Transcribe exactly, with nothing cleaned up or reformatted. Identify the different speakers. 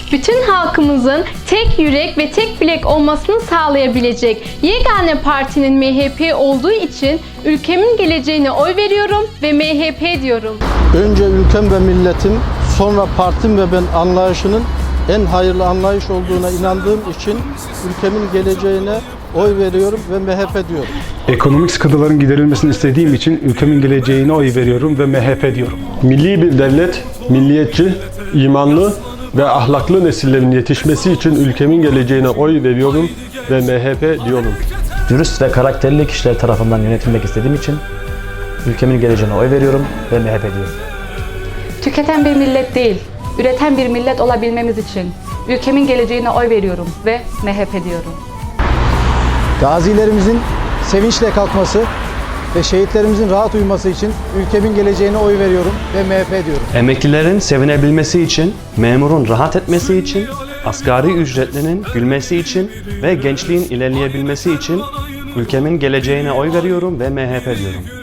Speaker 1: bütün halkımızın tek yürek ve tek bilek olmasını sağlayabilecek yegane partinin M H P olduğu için ülkemin geleceğine oy veriyorum ve M H P diyorum.
Speaker 2: Önce ülkem ve milletim, sonra partim ve ben anlayışının en hayırlı anlayış olduğuna inandığım için ülkemin geleceğine oy veriyorum ve M H P diyorum.
Speaker 3: Ekonomik sıkıntıların giderilmesini istediğim için ülkemin geleceğine oy veriyorum ve M H P diyorum.
Speaker 4: Milli bir devlet, milliyetçi, imanlı ve ahlaklı nesillerin yetişmesi için ülkemin geleceğine oy veriyorum ve M H P diyorum.
Speaker 5: Dürüst ve karakterli kişiler tarafından yönetilmek istediğim için ülkemin geleceğine oy veriyorum ve M H P diyorum.
Speaker 6: Tüketen bir millet değil, üreten bir millet olabilmemiz için ülkemin geleceğine oy veriyorum ve M H P diyorum.
Speaker 7: Gazilerimizin sevinçle kalkması ve şehitlerimizin rahat uyuması için ülkemin geleceğine oy veriyorum ve M H P diyorum.
Speaker 8: Emeklilerin sevinebilmesi için, memurun rahat etmesi için, asgari ücretlinin gülmesi için ve gençliğin ilerleyebilmesi için ülkemin geleceğine oy veriyorum ve M H P diyorum.